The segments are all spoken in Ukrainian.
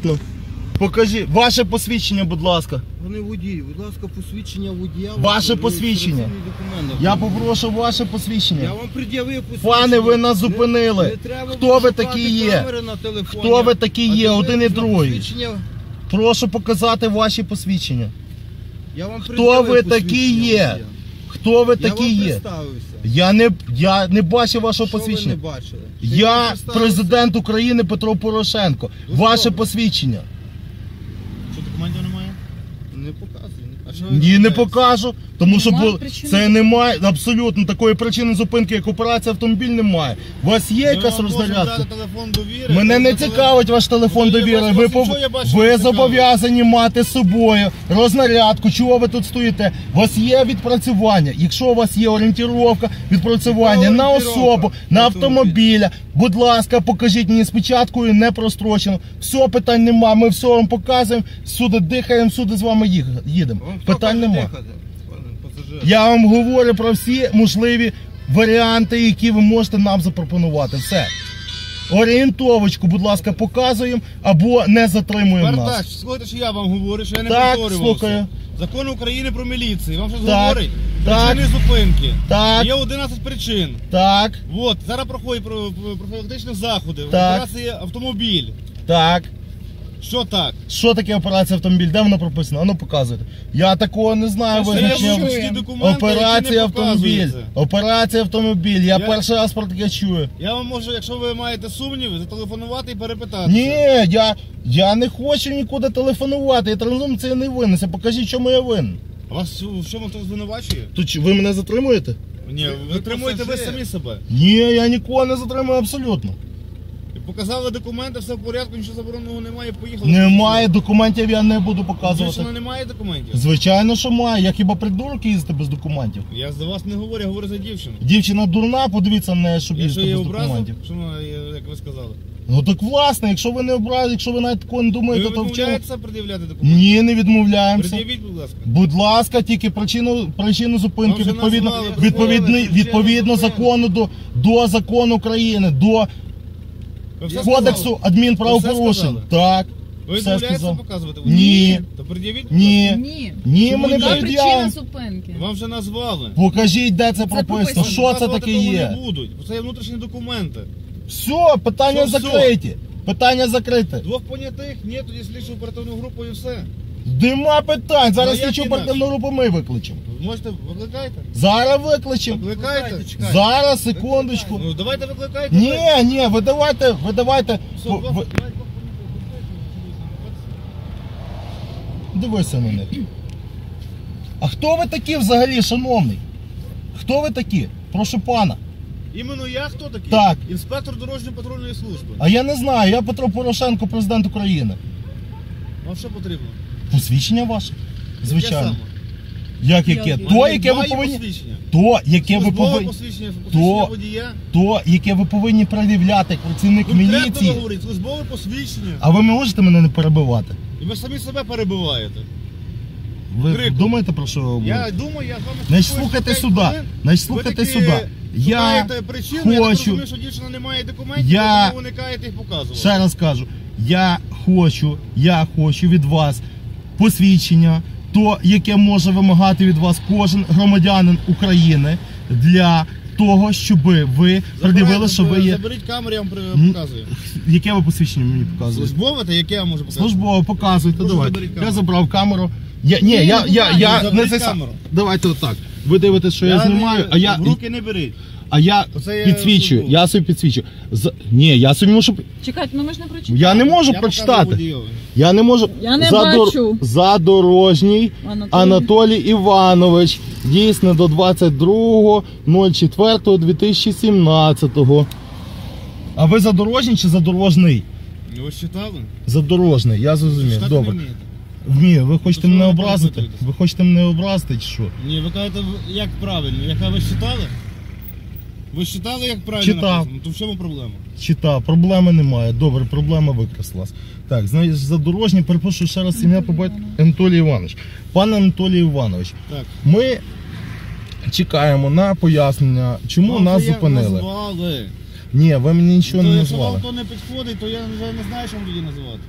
Ну, покажи, ваше посвідчення, будь ласка. Вони водій, будь ласка, посвідчення водія. Ваше посвідчення. Я попрошу ваше посвідчення. Я вам пред'явив посвідчення. Пане, ви нас зупинили. Хто ви такі є? Хто ви такі є? Один і другий. Прошу показати ваші посвідчення. Хто ви такі є? Хто ви такі є? Я не бачив вашого посвідчення. Що ви не бачили? Я президент України Петро Порошенко. Ваше посвідчення. Що, документів немає? Не показує. Ні, не покажу, тому що причини. це немає абсолютно такої причини зупинки, як операція автомобіль, немає. У вас є якась розрядка? Мене не цікавить ваш телефон довіри. Ви зобов'язані мати з собою рознарядку. Чого ви тут стоїте? У вас є відпрацювання. Якщо у вас є орієнтировка, відпрацювання на особу, на автомобіля, будь ласка, покажіть мені спочатку і не прострочено. Все, питань нема, ми все вам показуємо, всюди дихаємо, всюди з вами їдемо. Питань нема. Я вам говорю про всі можливі варіанти, які ви можете нам запропонувати. Все. Орієнтовочку, будь ласка, показуємо або не затримуємо нас. Барташ, слухайте, що я вам говорю, що я не Так, повторювався. слухаю. Закон України про міліцію. Вам щось Так, говорить? так. Причини зупинки. Так. Є 11 причин. Так, От, зараз проходять профілактичні заходи. Так. Операція автомобіль. так. Що так? Що таке операція автомобіль? Де воно прописано? Ану, показуйте. Я такого не знаю Це ж визначення. є документи, Операція які не автомобіль. показуються. Операція автомобіль. Я перший раз про таке чую. Я вам можу, якщо ви маєте сумніви, зателефонувати і перепитати. Ні, я не хочу нікуди телефонувати. Я транзум це не винесе. Покажіть, чому я винен. А вас в чому хтось звинувачує? То ви мене затримуєте? Ні, ви тримуєте ви самі себе. Ні, я нікого не затримую абсолютно. Показали документи, все в порядку, нічого забороненого немає, поїхали. Немає документів, я не буду показувати. Дівчина немає документів? Звичайно, що має. Я хіба придурок їздити без документів? Я за вас не говорю, я говорю за дівчину. Дівчина дурна, подивіться на неї, щоб Якщо їздити є без образа, документів. що вона, як ви сказали. Ну так власне, якщо ви не образили, якщо ви навіть такого не Ви думаєте, то в чому? відмовляєтеся пред'являти документи? Ні, не відмовляємося. Пред'явіть, будь ласка. Будь ласка, тільки причину зупинки Вам вже назвали, відповідно закону до закону України, до Ви все кодексу сказали? адмінправопорушень. Ви все Так. Ви все відмовляєтеся сказав. показувати? Ні. То пред'явіть, будь Ні. ласка. Ні. Ні, Чому ми не ні? Яка причина пред'явимо. зупинки? Вам вже назвали. Покажіть, де це прописано. прописано. Що це Показувати таке того є? не будуть, бо це є внутрішні документи. Все, питання Що все? закриті. Питання закрите. Двох понятих, ні, тоді слідчу оперативну групу і все. Нема питань. Зараз Ну, як слідчу інакше? оперативну групу ми викличемо. Можете, викликайте? Зараз викличемо. Викликайте? Зараз, секундочку. Ну давайте викликайте. Ні, ви давайте. Все, Дивися на них. А хто ви такі взагалі, шановний? Хто ви такі? Прошу пана. Іменно я хто такий? Так. Інспектор дорожньо-патрульної служби. А я не знаю, я Петро Порошенко, президент України. Вам що потрібно? Посвідчення ваше? Звичайно. Яке Як яке? Яке? То, яке ви Має повинні. посвідчення. То, яке ви Службове повинні. посвідчення, То- посвідчення водія. То, яке ви повинні пред'являти як працівник Конкретно міліції. говорить, службове посвідчення. А ви можете мене не перебивати? І ви самі себе перебиваєте. Ви Криком. думаєте про що ви говорите? Я думаю, я з вами Значить, спілкуюся слухайте 5 сюди. хвилин. Значить, Ви слухайте таки сюди. Я шукаєте причину, я так хочу. розумію, що дівчина не має документів, Я- тому ви уникаєте їх показувати. Ще раз кажу, я хочу від вас посвідчення, то, яке може вимагати від вас кожен громадянин України для того, щоб ви пред'явили, що ви є. Заберіть камеру, я вам показую. Яке ви посвідчення мені показуєте? Службове, та яке я можу показати? Службово, показуйте, Прошу, давайте. заберіть Я камеру. забрав камеру. Я заберіть не камеру. Давайте отак. Ви дивитесь, що я знімаю, а я... В руки не беріть. А я Оце я підсвічую, службово. я собі підсвічую. Ні, я собі можу... Чекайте, ну ми ж не прочитали. Я не можу Я прочитати. показую водійові. Я не можу. Я не бачу. Задорожній Анатолій Іванович. Дійсно до 22.04.2017. А ви задорожній чи задорожний? Ви ж читали? Задорожний, я зрозумів. Читати Добре. не вмієте? Ні, ви хочете То мене що ви образити? перепитуєте? Ви хочете мене образити чи що? Ні, ви кажете, як правильно. Яка ви ж читали? Ви ж читали, як правильно Читав. написано? То в чому проблема? Читав, проблеми немає. Добре, проблема викреслилась. Так, знаєш, задорожній, перепрошую ще раз ім'я по батькові Анатолій Іванович. Пане Анатолій Іванович, Так. ми чекаємо на пояснення, чому Вам нас це як зупинили. назвали. Ні, ви мені нічого То не якщо вам назвали. то не підходить, то я вже не знаю, що вам тоді називати.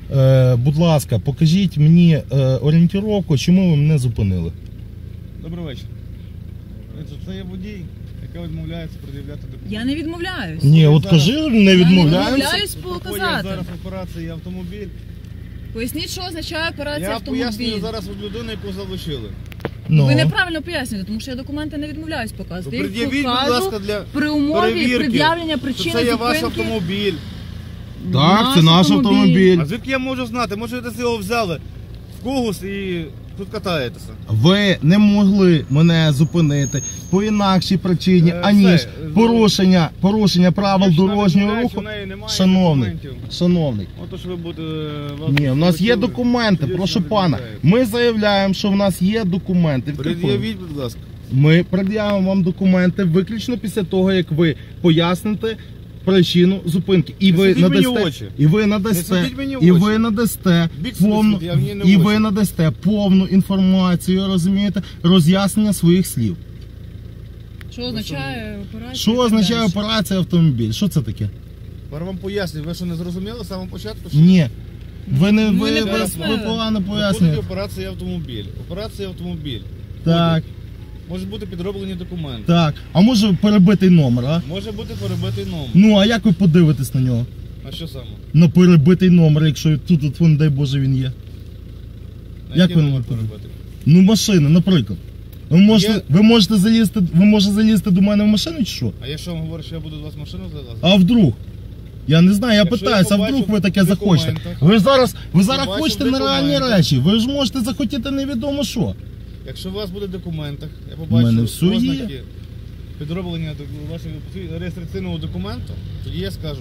Будь ласка, покажіть мені орієнтировку, чому ви мене зупинили. Добрий вечір. Це є водій, який відмовляється пред'являти документи. Я не відмовляюсь. Ні, от кажи, не Я не відмовляємося. відмовляюсь Проходять показати. зараз операції автомобіль. Поясніть, що означає операція Я автомобіль. пояснюю зараз від людини, яку залишили. Ну. Ви неправильно пояснюєте, тому що я документи не відмовляюсь показувати. Я їх Пред'явіть, будь покажу ласка, для при умові перевірки, пред'явлення що причини це є ваш зупинки. автомобіль. Так, це наш автомобіль. А звідки я можу знати? Може, ви десь його взяли в когось і тут катаєтеся. Ви не могли мене зупинити по інакшій причині, аніж все, порушення правил Якщо дорожнього вона руху. в неї немає Шановний, документів. шановний. Отож ви будете... Ні, у нас є документи, прошу пана. Ми заявляємо, що в нас є документи. Пред'явіть, будь ласка. Ми пред'явимо вам документи виключно після того, як ви поясните причину зупинки. І Не ви світіть мені в надасте, очі. і ви Не надасте, світіть мені в і очі. ви надасте Більше повну, не світіть, а мені не в і очі. ви надасте повну інформацію, розумієте, роз'яснення своїх слів. Що означає операція? Що і так означає далі. операція автомобіль? Що це таке? Тепер вам пояснюю, ви що не зрозуміли з самого початку? Що Ні. Ви не Ми ви, не ви, пояснили. ви погано Проходить пояснюєте. операція автомобіль. Операція автомобіль. Так, Може бути підроблені документи. так. А може перебитий номер, а? Може бути перебитий номер. Ну, а як ви подивитесь на нього? А що саме? На перебитий номер, якщо тут, не дай Боже, він є. На Як який ви номер не перебитий? Ну, машина, наприклад. Є. Ви можете залізти до мене в машину чи що? А якщо вам говорю, що я буду з вас в машину залазити? А вдруг? Я не знаю, я Якщо питаюся, я а вдруг побачу ви таке в захочете. документах. Ви зараз Побачу хочете в нереальні документах. речі. Ви ж можете захотіти невідомо що. Якщо у вас буде в документах, я У мене побачу все є. ознаки підроблення вашого реєстраційного документу, тоді я скажу,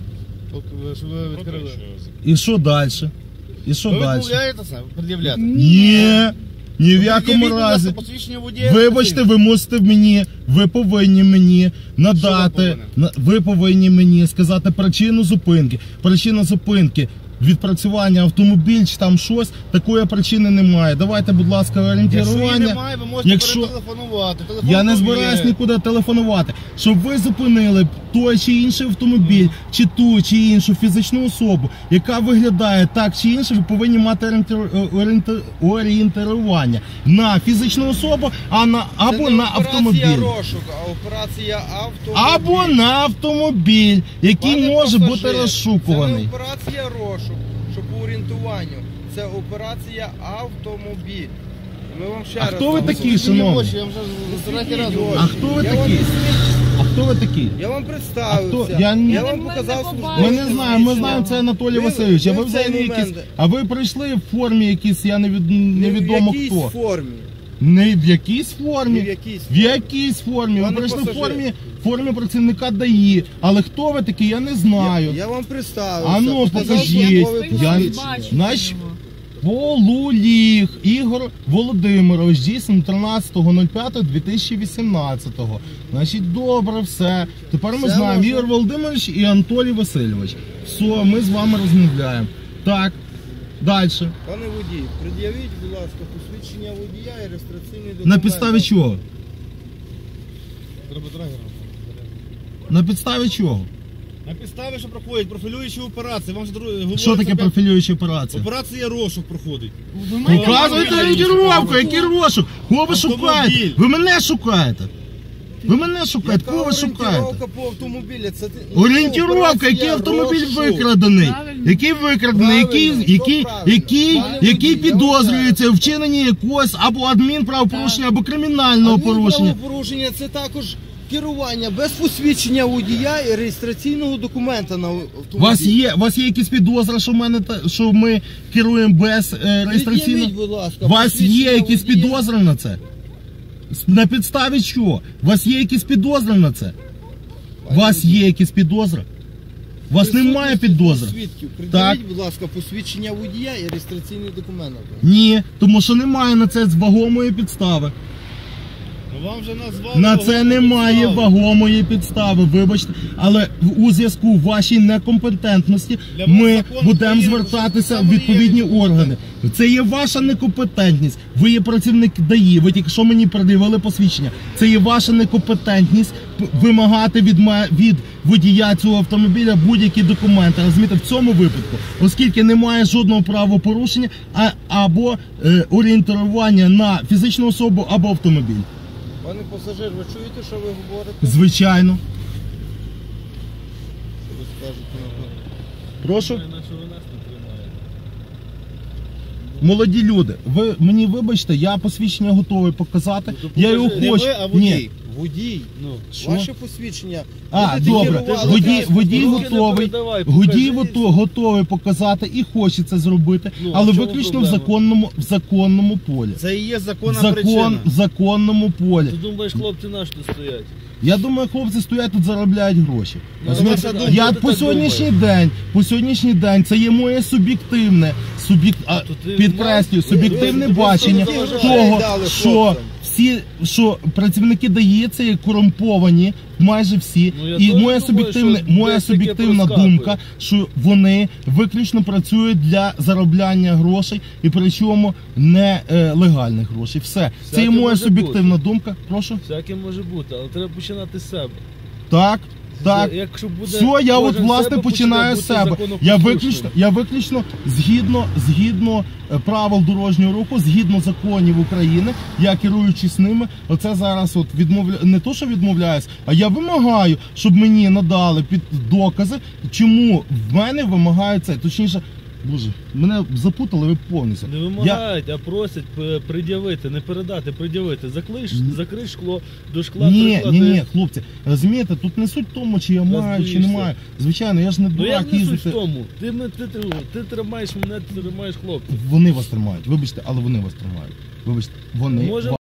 що ви відкрили. І що далі? І що Ви далі? відмовляєтеся пред'являти? Ні, ні в якому Пред'явіть, будь ласка, разі. посвідчення водія. Вибачте, ви повинні мені надати, Що ви повинні мені сказати причину зупинки. Причина зупинки, відпрацювання автомобіль чи там щось, такої причини немає. Давайте, будь ласка, Якщо її орієнтування. немає, ви можете Якщо- перетелефонувати. Я не збираюсь нікуди телефонувати. Щоб ви зупинили той чи інший автомобіль, чи ту чи іншу фізичну особу, яка виглядає так чи інше, ви повинні мати орієнтування на фізичну особу, або на автомобіль. Це не операція розшук, а операція автомобіль. Або на автомобіль, який Пане може пасажир, бути розшукуваний. Це не операція розшук, що по орієнтуванню. Це операція автомобіль. Ми вам ще А раз хто ви говоримо. такі, шановні? Я вже Світіть третій раз очі. говорю. А хто ви Я такі? вам не свідчу. А хто ви такі? Я вам представився. А хто? Я вам не показав побачили. Ми не знаємо, ми знаємо, це Анатолій Васильович. А ви в цей взагалі момент- якісь. А ви прийшли в формі якісь, я невідомо в якійсь хто. формі. Не в якійсь формі. Не в якійсь В якійсь формі. Ви Пане прийшли в пасажир. формі працівника ДАІ. Але хто ви такі, я не знаю. Я вам представився. А ну, Показав покажіть. службове Я- посвідчення. Наш Полуліг Ігор Володимирович, дійсно 13.05.2018. Значить, добре, все. Тепер ми Все знаємо, можна. Ігор Володимирович і Анатолій Васильович. Все, ми з вами розмовляємо. Так, далі. Пане водій, пред'явіть, будь ласка, посвідчення водія і реєстраційний документ. На підставі чого? Треба драгера. На підставі чого? На підставі, що проходять профілюючі операції. Вам ж говориться, Що таке профілююча операція? Операція розшук проходить. Ви маєте Показуйте право орієнтировку, який розшук? Кого ви Автомобіль. шукаєте? Ви мене шукаєте. Ви мене шукаєте, Яка кого ви шукаєте? орієнтировка по автомобілі? Це Орієнтировка, операція який автомобіль розшук. викрадений. Правильно. Який викрадений, Правильно, який Пане водій, підозрюється у вчиненні якогось або адмінправопорушення, або кримінального порушення. Порушення це також керування без посвідчення водія і реєстраційного документа на автомобіль. У вас є якісь підозри, що ми керуємо без Пред'явіть, реєстраційного? будь ласка, У вас є посвідчення якісь водія. підозри на це? На підставі чого? У вас є якісь підозри на це? У вас є якісь підозри? У вас немає підозри? Свідків. Так. Пред'явіть, будь ласка, посвідчення водія і реєстраційний документ. Ні, тому що немає на це вагомої підстави. Ну, вам вже назвали На це вагому немає підставу. вагомої підстави, вибачте, але у зв'язку вашій некомпетентності Для вас ми закон будемо України, звертатися що в саме відповідні є органи. Це є ваша некомпетентність. Ви є працівник ДАІ, ви тільки що мені пред'явили посвідчення. Це є ваша некомпетентність вимагати від водія цього автомобіля будь-які документи. Розумієте, в цьому випадку, оскільки немає жодного правопорушення або орієнтування на фізичну особу або автомобіль. Пане пасажир, ви чуєте, що ви говорите? Звичайно. Що ви скажете на то? Прошу. Молоді люди, ви мені вибачте, я посвідчення готовий показати. Я його Не хочу. ви, а водій. Ні. Водій, Ну, Що? ваше посвідчення. А, Будете добре. керувати Водій транспортним готовий. Водій готовий показати і хоче це зробити, Ну, але в чому виключно проблема? в законному полі. це і є законна причина. В законному полі. Ти думаєш, хлопці наші тут стоять? Я думаю, хлопці стоять тут, заробляють гроші. Ну, Розумієте? ваша думка, Я ти по так сьогоднішній день це є моє суб'єктивне, ти підкреслюю, суб'єктивне ви бачення просто того, дали що хлопцям. що працівники ДАІ це є корумповані, майже всі. Ну, я І теж моя думаю, що моя десь таке суб'єктивна проскакує. думка, що вони виключно працюють для заробляння грошей і причому не легальних грошей. Все. Це Всяке є моя може суб'єктивна думка. Прошу. Всяке може бути, але треба починати з себе. Так. Так. Якщо буде Все, я от кожен власне себе починаю з бути себе. законопослушним. Я виключно згідно правил дорожнього руху, згідно законів України, я керуючись ними, оце зараз от не то, що відмовляюсь, а я вимагаю, щоб мені надали докази, чому в мене вимагають це. Точніше, боже, мене запутали ви повністю. Не вимагають, а просять пред'явити, не передати, пред'явити. Закрий шкло, до шкла Ні, приклади. хлопці, розумієте, тут не суть в тому, чи я маю, чи не боїшся. маю. Звичайно, я ж не Ну дурак як не суть їздити. в тому? Ти тримаєш мене, ти тримаєш хлопців. Вони вас тримають. Вибачте, але вони вас тримають. Вибачте, вони Може,